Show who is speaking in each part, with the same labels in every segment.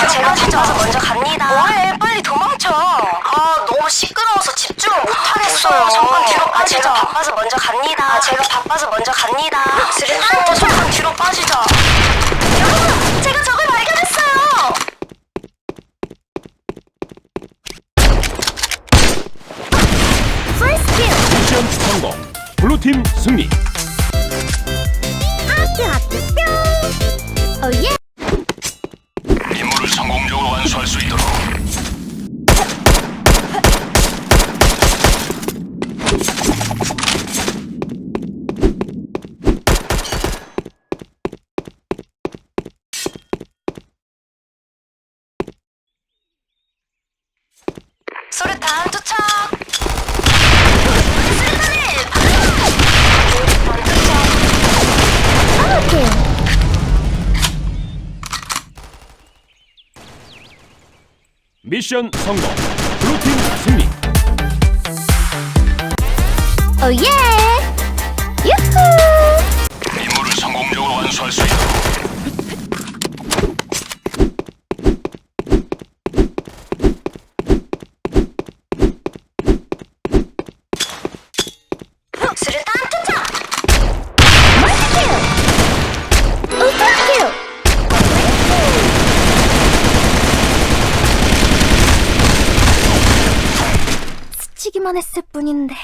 Speaker 1: 제가 바빠서 먼저 갑니다. 뭐해? 빨리 도망쳐. 너무 시끄러워서 집중을 못하겠어요. 잠깐 뒤로 빠지자. 제가 바빠서 먼저 갑니다. 제가 바빠서 먼저 갑니다. 잠깐 뒤로 빠지자. 여러분, 제가 적을 발견했어요. First kill.
Speaker 2: 미션 성공. 블루팀 승리.
Speaker 1: 하트 뿅. 오예.
Speaker 2: 임무를 성공적으로 완수할 수 있도록.
Speaker 1: 수류탄 투척.
Speaker 2: 미션 성공. 블루팀 승리.
Speaker 1: 오예. 유후.
Speaker 2: 임무를 성공적으로 완수할 수 있도록.
Speaker 1: 수류탄 투척. 멀티킬. 울트라킬. 스치기만 했을 뿐인데.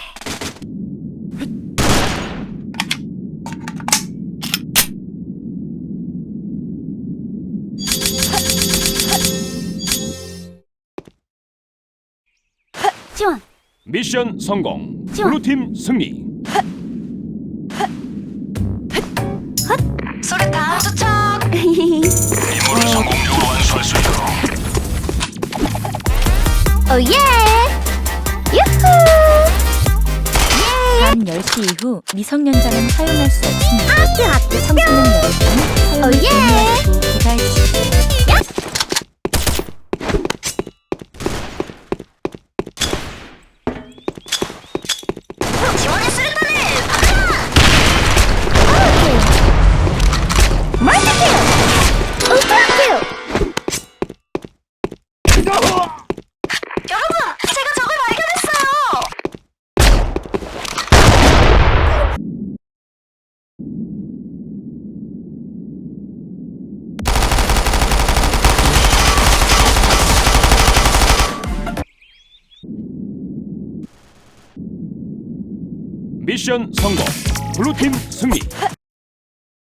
Speaker 1: 지원.
Speaker 2: 미션 성공.
Speaker 1: 지원.
Speaker 2: 블루팀 승리.
Speaker 1: 수류탄 투척.
Speaker 2: 임무를 성공적으로 완수할 수 있도록.
Speaker 1: 오예. 유후.
Speaker 3: 밤 10시 이후 미성년자는 사용할 수 없습니다.
Speaker 1: 하트
Speaker 3: 청소년 여러분, 사용을
Speaker 1: 예.
Speaker 3: 금지하고 기다려 주십시오.
Speaker 1: 지원의 수류탄을 받아라. 멀티킬. 울트라킬. 여러분, 제가 적을 발견했어요.
Speaker 2: 미션 성공. 블루팀 승리.